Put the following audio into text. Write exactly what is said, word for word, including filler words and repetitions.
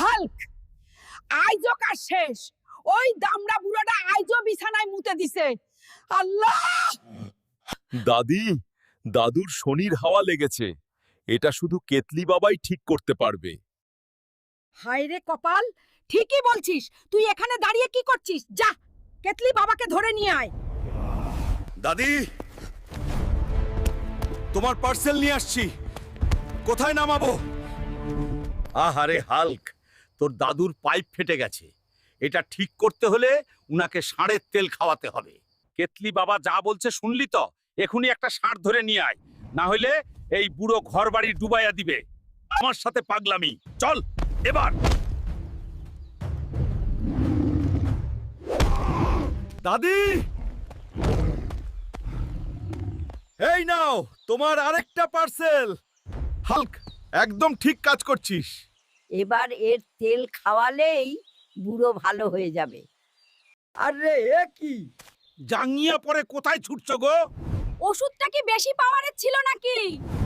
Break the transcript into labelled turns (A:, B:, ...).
A: Hulk আইজো কার শেষ। ওই দামড়া বুড়োটা আইজো বিছানায় মুতে দিছে। আল্লাহ!
B: দাদি, দাদুর শনির হাওয়া লেগেছে। এটা শুধু কেতলি বাবাই ঠিক করতে পারবে।
A: হায় রে কপাল, ঠিকই বলছিস। তুই এখানে দাঁড়িয়ে কি করছিস? যা, কেতলি বাবাকে ধরে নিয়ে আয়।
B: দাদি, তোমার পার্সেল নিয়ে আসছি। কোথায় নামাবো?
C: আহারে হাল্ক, তোর দাদুর পাইপ ফেটে গেছে। এটা ঠিক করতে হলে উনাকে ষাঁড়ের তেল খাওয়াতে হবে। কেতলি বাবা যা বলছে শুনলি তো? এখনই একটা ষাঁড় ধরে নিয়ে আয়, না হলে এই বুড়ো ঘর বাড়ি ডুবাইয়া দিবে। আমার সাথে পাগলামি, চল এবার।
B: দাদি, এই নাও তোমার আরেকটা পার্সেল। হাল্ক, একদম ঠিক কাজ করছিস।
D: এবার এর তেল খাওয়ালেই বুড়ো ভালো হয়ে যাবে।
C: আরে এ কি জাঙ্গিয়া পরে কোথায় ছুটছো গো?
A: ওষুধটা কি বেশি পাওয়ারের ছিল নাকি?